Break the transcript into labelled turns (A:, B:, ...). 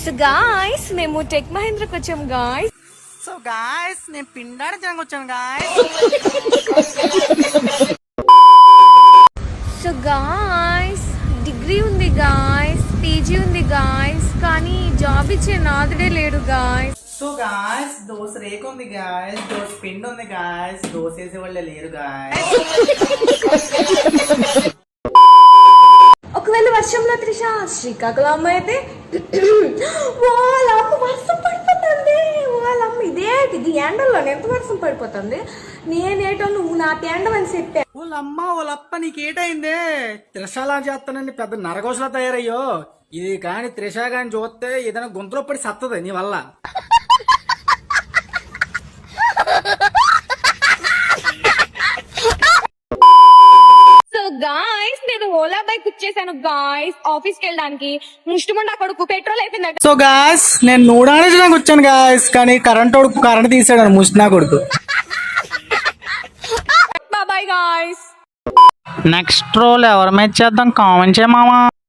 A: So guys మేము tech మహేంద్రకు వచ్చాం గాయ్స్.
B: సో గాయ్స్ నేను పిండాడించడానికి వచ్చాను గాయ్స్.
A: సో గాయ్స్ డిగ్రీ ఉంది గాయ్స్, పీజీ ఉంది గాయ్స్, కానీ జాబ్ ఇచ్చే నాదుడే లేడు గాయ్స్.
B: సో గాయ్స్ దోశ రేక్ ఉంది గాయ్స్, దోశ పిండి ఉంది గాయ్స్, దోశ వేసే వాళ్ళే లేరు గాయ్స్.
A: ఒకవేళ వర్షంలో త్రిష శ్రీకాకుళం అమ్మ అయితే వాళ్ళ అమ్మ వర్షం పడిపోతుంది, వాళ్ళ అమ్మ ఇది ఎండల్లోనే ఎంత వర్షం పడిపోతుంది, నేనేటో నువ్వు నా తేండం అని చెప్పా.
B: వాళ్ళమ్మ వాళ్ళప్ప నీకేటైందే? త్రిషాలా చేస్తానండి పెద్ద నరకోసలా తయారయ్యో. ఇది కాని త్రిష గాని చూస్తే ఏదైనా గొంతులో పడి సత్తది నీ వల్ల.
A: సో గాయ్స్ నేను ఓలా బైక్ ఇచ్చేసాను గాయ్స్ ఆఫీస్ కి వెళ్ళడానికి. ముష్టిముండా కొడుకు పెట్రోల్ అయిపోయిందట.
B: సో గాయ్స్ నేను నూడాడించడానికి వచ్చాను గాయ్స్, కానీ కరెంట్ తీసాడు ముష్టినా కొడుకు.
A: Bye guys.
B: నెక్స్ట్ రోల్ ఎవరి మీద చేద్దాం కామెంట్ చేయమామా.